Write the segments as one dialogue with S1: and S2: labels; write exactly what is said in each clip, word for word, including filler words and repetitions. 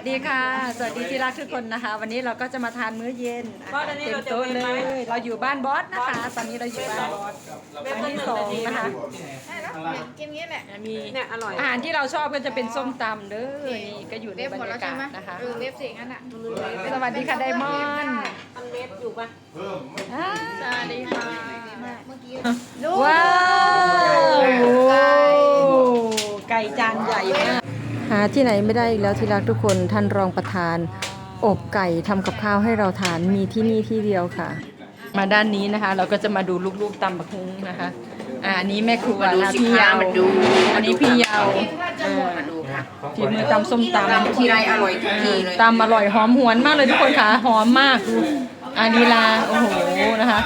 S1: ดีค่ะสวัสดีที่รักทุกคนนะคะวันนี้เราก็จะมาทานมื้อเย็นเต็มโต๊ะเลยเราอยู่บ้านบอสนะคะตอนนี้เราอยู่บ้านบอสครั้งที่สองนะคะ
S2: กินงี้แหละ
S1: มี
S2: เนี่ยอร่อย
S1: อาหารที่เราชอบก็จะเป็นส้มตำเด้อนี่ก็อยู่ในบรรยากาศนะคะ
S2: เออเล็บสิงั้นอ่ะ
S1: สวัสดีค่ะไดมอนด์
S2: ทำเล็บอยู่ปะ
S1: สวัสดีค่ะ
S2: เมื่อกี้
S1: ว้าวไก่จานใหญ่มากหาที่ไหนไม่ได้อีกแล้วที่รักทุกคนท่านรองประธานอบไก่ทำกับข้าวให้เราทานมีที่นี่ที่เดียวค่ะ มาด้านนี้นะคะเราก็จะมาดูลูกๆตำบักหุ่งนะคะอ่าอันนี้แม่ครัวนะพี่ยาวอันนี้พี่ยาวฝีมือตำส้มตำ
S2: ทีไรอร่อยทุกทีเลย
S1: ตำอร่อยหอมหวนมากเลยทุกคนค่ะหอมมากดูอานีลาโอ้โหนะคะ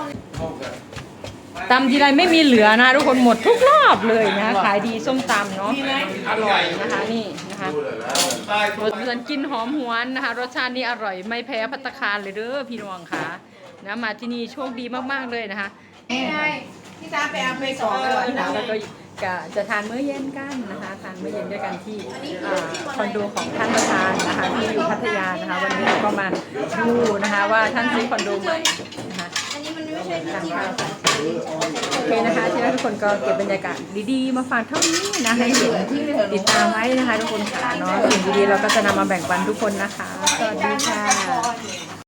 S1: ตำทีไรไม่มีเหลือนะทุกคนหมดทุกรอบเลยนะคะขายดีส้มตำเนาะอร่อยนะคะนี่นะคะรสชาติกินหอมหวนนะคะรสชาตินี้อร่อยไม่แพ้ภัตตาคารเลยเด้อพี่น้องค่ะนะมาที่นี่โชคดีมากๆเลยนะคะ
S2: พี่ตาไปเอาไปสองเลยนะ
S1: แล้วก็จะทานมื้อเย็นกันนะคะทานมื้อเย็นด้วยกันที่คอนโดของท่านประธานนะคะที่อยู่พัทยานะคะวันนี้เราก็มาดูนะคะว่าท่านซื้อคอนโดใหม่นะคะ
S2: อันนี้มันไม่ใช่จริง
S1: โอเคนะคะที่ทุกคนก็เก็บบรรยากาศดีๆมาฝากเท่านี้นะให้เห็นติดตามไว้นะคะทุกคนค่ะเนาะสิ่งดีๆเราก็จะนำมาแบ่งปันทุกคนนะคะสวัสดีค่ะ